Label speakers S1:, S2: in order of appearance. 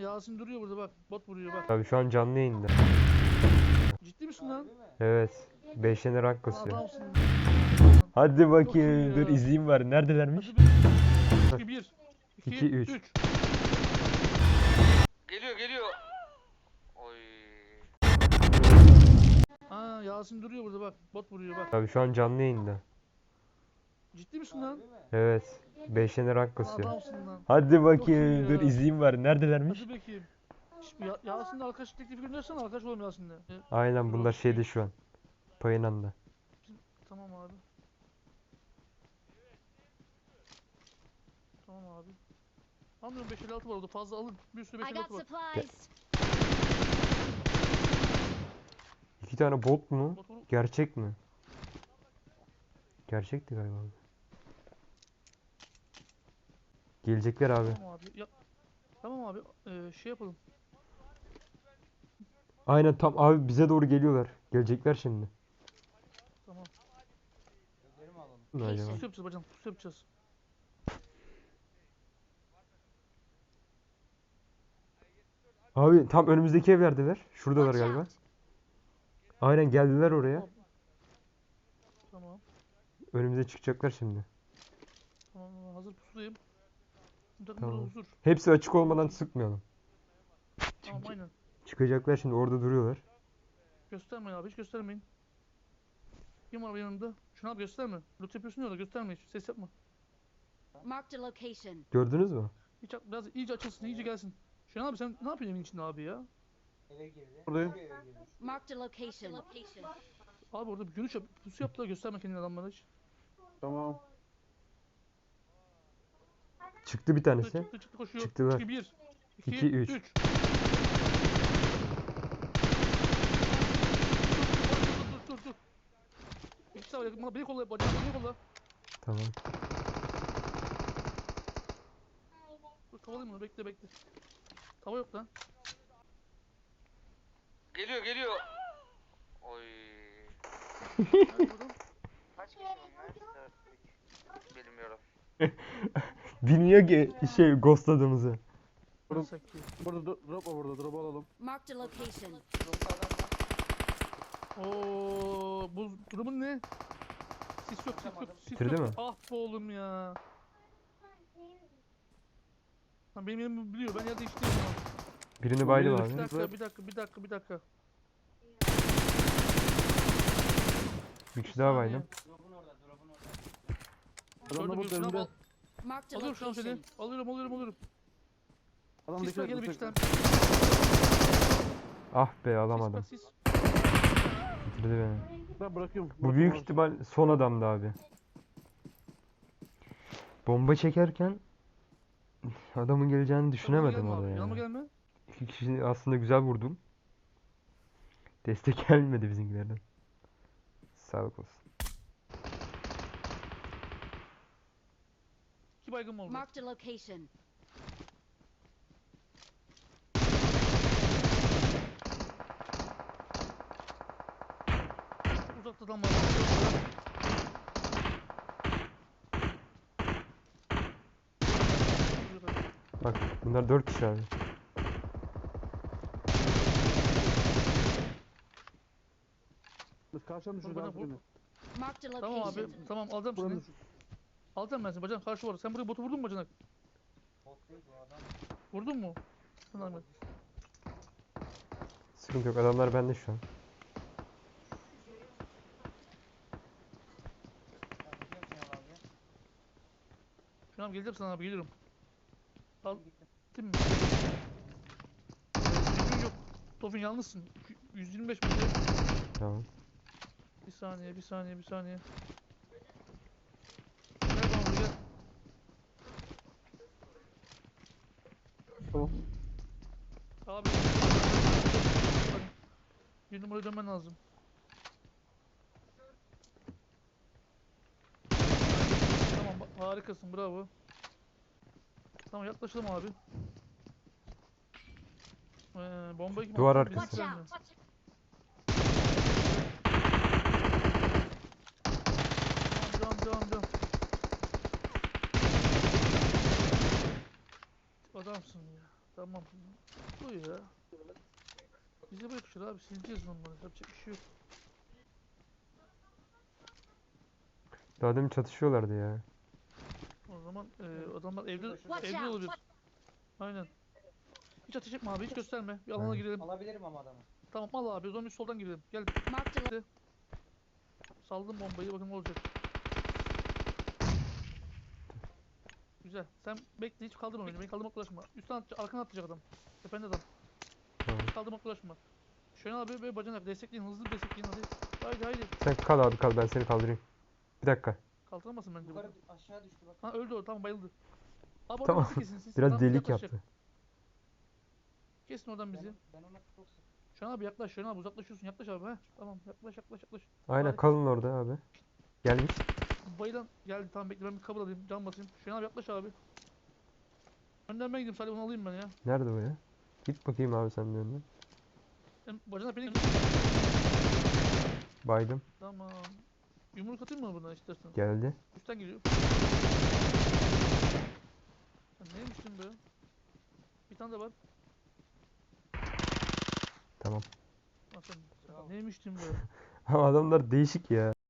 S1: Yasin duruyor burada bak. Bot vuruyor bak.
S2: Abi şu an canlı yayında.
S1: Ciddi misin lan?
S2: Evet. 5 tane rank kasıyor.
S1: Adamsın.
S2: Hadi
S1: Çok iyi
S2: bakayım. Dur
S1: ya.
S2: izleyeyim bari. Neredelermiş?
S1: Hadi 1, 2,
S2: 2, 3.
S1: 3.
S3: Geliyor. Oy.
S1: Aa Yasin duruyor burada bak. Bot vuruyor bak.
S2: Abi şu an canlı yayında.
S1: Ciddi misin lan?
S2: Evet. 5 tane rank kasıyor.
S1: Adamsın lan.
S2: Hadi bakayım.
S1: iyi
S2: Dur
S1: ya.
S2: izleyeyim bari. Neredelermiş?
S1: Hadi bakayım. Yasin'le arkadaş teklifi göndersene arkadaş olalım Yasin'le.
S2: Aynen bunlar şeyde şu an. Payınanda.
S1: Tamam abi. Tamam abi. Anlıyorum 556 var orada fazla alın. Bir sürü
S4: I got
S1: 556 var.
S4: supplies.
S2: 2 tane bot mu?
S1: Bot vur.
S2: Gerçek mi? Gerçekti galiba. Gelecekler abi.
S1: Tamam abi. Tamam abi. Şey yapalım.
S2: Aynen tam abi bize doğru geliyorlar. Gelecekler şimdi.
S1: Tamam.
S2: Ne acaba?
S1: Pusu yapacağız bacım. Pusu yapacağız.
S2: Abi tam önümüzdeki evlerdeler. Şuradalar
S4: Watch
S2: galiba.
S4: out.
S2: Aynen geldiler oraya.
S1: Tamam.
S2: Önümüze çıkacaklar şimdi.
S1: Tamam. Hazır pusudayım. Bir takım
S2: Tamam.
S1: burada huzur.
S2: Hepsi açık olmadan sıkmayalım.
S1: Tamam aynen.
S2: Çıkacaklar şimdi orada duruyorlar.
S1: Göstermeyin abi hiç göstermeyin. Kim var yanında? Şunu abi gösterme. Loot yapıyorsun ya da gösterme hiç. Ses yapma.
S4: Marked a location.
S2: Gördünüz mü?
S1: Hiç biraz iyice açılsın, iyice gelsin. Şunu abi sen ne yapıyorsun evin içinde abi ya?
S2: Buradayım.
S4: Marked a location.
S1: Abi orada bir görüş yap, pusu yap da gösterme kendini adamlara hiç.
S2: Tamam. Çıktı bir tanesi.
S1: Çıktı koşuyor.
S2: Çıktılar.
S1: 1,
S2: 2,
S1: 2,
S2: 3.
S1: 3. Dur. İkisi var yakın. Beni kolla, beni kolla.
S2: Tamam.
S1: Dur tavalayım onu bekle. Tava yok lan.
S3: Geliyor. Oy.
S1: Nerede oğlum?
S3: Kaç kişi bunlar? 4, 3. Bilmiyorum.
S2: Bilmiyor ki şey ghostladığımızı.
S1: Nasıl ki?
S5: Burada drop var burada. Drop alalım.
S4: Marked a location.
S1: Oo, bu durumun ne? Sis yok.
S2: Bitirdi mi?
S1: Ah be oğlum ya. Ha, benim yerimi biliyor. Ben yer değiştireyim o zaman.
S2: Birini baydım
S5: Bir
S2: abi.
S1: Bir dakika.
S2: Bir kişi daha baydım.
S5: Adam da burada önünde.
S4: Marked a
S1: Alıyorum şu an seni.
S4: location.
S1: Alıyorum.
S5: Adam
S1: Sis var
S5: dikkat
S1: gene bir
S5: et.
S1: iki tane.
S2: Ah be alamadım.
S1: Sis.
S2: Bitirdi beni.
S5: Ben bırakıyorum.
S2: Bu büyük ihtimal son adamdı abi. Bomba çekerken adamın geleceğini düşünemedim orada
S1: Yanıma
S2: ya.
S1: gelme.
S2: İki kişi aslında güzel vurdum. Destek gelmedi bizimkilerden. Sağlık olsun.
S1: 2 baygın mı oldu?
S4: Marked a location.
S1: Çok uzakta adam var.
S2: Bak bunlar 4 kişi abi.
S5: Biz karşıdan
S1: Bana
S5: düşürdü
S1: vur.
S5: abi.
S4: Marked a
S1: Tamam abi.
S4: location.
S1: Tamam alacağım
S5: Buranın
S1: seni.
S5: düşür.
S1: Alacağım ben seni. Bacan karşı var. Sen buraya botu vurdun mu bacanak? Vurdun mu? Tamam.
S2: Sıkıntı yok adamlar bende şu an.
S1: Şu an geleceğim sana abi geliyorum. Al. Gittin mi? Düzgün yok. Tofin yalnızsın. 125 metre.
S2: Tamam.
S1: Bir saniye. Gel bana buraya gel.
S5: Tamam.
S1: Abi. Bir numaraya dönmen lazım. Tamam harikasın bravo. Tamam yaklaşalım abi. Bombayı kim
S2: Duvar
S1: attı? Biz
S2: arkası.
S4: Watch
S1: bilmiyoruz.
S4: out.
S1: Devam. Adamsın ya. Tamam. Bu ya. Bize bırakışır abi. Sileceğiz onları. Yapacak bir şey yok.
S2: Daha demin çatışıyorlardı ya.
S1: O zaman adamlar evde
S4: Watch
S1: evde
S4: out.
S1: olabilir. Aynen. Hiç ateş etme abi. Hiç gösterme. Bir alana
S2: Aynen.
S1: girelim.
S6: Alabilirim ama adamı.
S1: Tamam al abi. O zaman biz soldan girelim. Gel.
S4: Marked a lo-
S1: Saldım bombayı. Bakın ne olacak. Güzel. Sen bekle. Hiç kaldırma beni. Beni kaldırmakla uğraşma. Üstten atacak. Arkana atacak adam. Tepende adam.
S2: Tamam.
S1: Hiç kaldırmakla uğraşma. Şöyle abi böyle bacanak. Destekleyin. Hızlı bir destekleyin. Hadi. Haydi haydi.
S2: Sen kal abi kal ben seni kaldırayım. Bir dakika.
S1: Kaldıramazsın bence
S6: Yukarı
S1: bunu.
S6: aşağı düştü bak.
S1: Ha öldü o. Tamam bayıldı. Abi oradan
S2: Tamam.
S1: bizi kesin siz.
S2: Biraz
S1: Tamam,
S2: delik
S1: yaklaşacak.
S2: yaptı.
S1: Kesin oradan bizi.
S6: Ben ona çok sık.
S1: Şu an abi yaklaş. Şu an abi uzaklaşıyorsun. Yaklaş abi. Ha. Tamam. Yaklaş yaklaş yaklaş.
S2: Aynen
S1: Harika.
S2: kalın orada abi. Gelmiş.
S1: Bayılan geldi. Tamam bekle ben bir kabul alayım. Can basayım. Şu an abi yaklaş abi. Önden ben gideyim. Salih onu alayım ben ya.
S2: Nerede o ya? Git bakayım abi sen de önden.
S1: Bacanak beni...
S2: Baydım.
S1: Tamam. Yumruk atayım mı buna istersen?
S2: Geldi.
S1: Üstten geliyor. Ya neymiş lan be? Bir tane de var.
S2: Tamam.
S1: Lan sen neymiş lan be?
S2: Ama adamlar değişik ya.